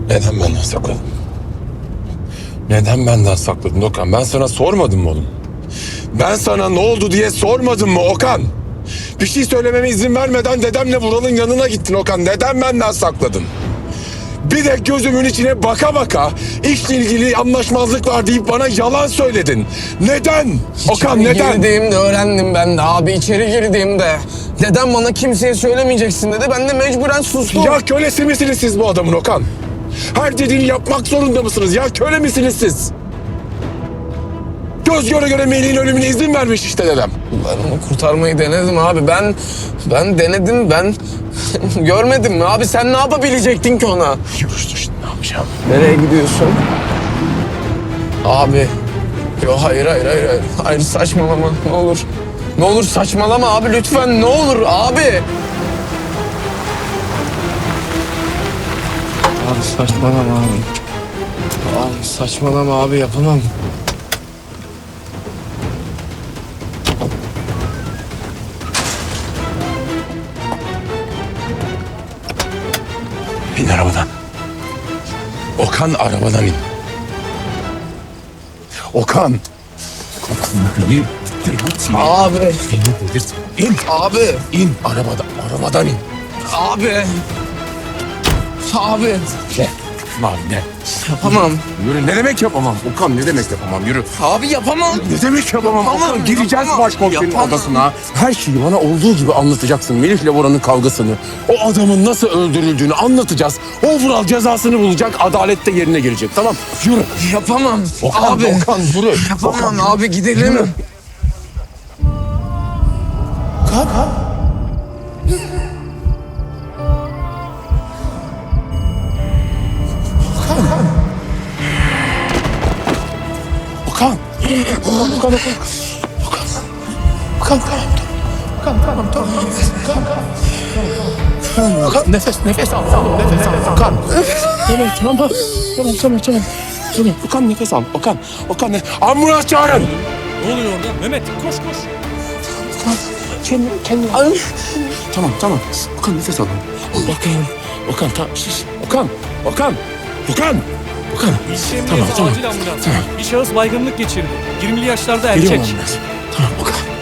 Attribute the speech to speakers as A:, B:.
A: Neden benden sakladın? Neden benden sakladın Okan? Ben sana sormadım mı oğlum? Ben sana ne oldu diye sormadım mı Okan? Bir şey söylememe izin vermeden dedemle Vural'ın yanına gittin Okan. Neden benden sakladın? Bir de gözümün içine baka baka işle ilgili anlaşmazlık var deyip bana yalan söyledin. Neden? Okan neden?
B: Girdiğimde öğrendim ben de abi, içeri girdiğimde. Dedem bana kimseye söylemeyeceksin dedi. Ben de mecburen sustum.
A: Ya kölesi misiniz siz bu adamın Okan? Her dediğini yapmak zorunda mısınız? Ya köle misiniz siz? Göz göre göre Melih'in ölümüne izin vermiş işte dedem.
B: Ben onu kurtarmayı denedim abi. Ben denedim. Ben görmedim mi abi? Sen ne yapabilecektin ki ona?
A: Yürüsün şimdi ne yapacağım?
B: Nereye gidiyorsun? Abi. Yo hayır. Hayır saçmalama ne olur. Ne olur saçmalama abi lütfen, ne olur abi. Abi saçmalama abi. Abi saçmalama abi, yapamam.
A: İn arabadan. Okan arabadan in. Okan. Beni delirtme.
B: Abi.
A: Beni delirtme. İn.
B: Abi.
A: İn arabadan in.
B: Abi. Abi.
A: Ne? Abi ne?
B: Yapamam.
A: Yürü. Ne demek yapamam? Okan ne demek yapamam? Yürü.
B: Abi yapamam.
A: Ne demek yapamam?
B: Yapamam,
A: Okan gireceğiz
B: yapamam.
A: başkomiserin
B: Yapamam.
A: odasına. Her şeyi bana olduğu gibi anlatacaksın. Melih'le Bora'nın kavgasını. O adamın nasıl öldürüldüğünü anlatacağız. O Vural cezasını bulacak. Adalet de yerine girecek. Tamam. Yürü.
B: Yapamam.
A: Okan,
B: abi.
A: Okan yürü.
B: Yapamam
A: Okan,
B: abi, gidelim.
A: Yürü. Okan. Okan. Okan nefes al. Okan. Evet tamam. Tamam. Okan nefes al. Okan ambulans çağırın.
C: Ne oluyor orada? Mehmet koş koş.
A: Kendine. Tamam. Okan nefes al. Okan tamam. Okan.
C: İlçe
A: Tamam,
C: emniyeti
A: tamam.
C: acil ambulans.
A: Tamam.
C: Bir şahıs baygınlık geçirdi. 20'li yaşlarda
A: Geliyorum
C: erkek.
A: ambulans. Tamam Okan.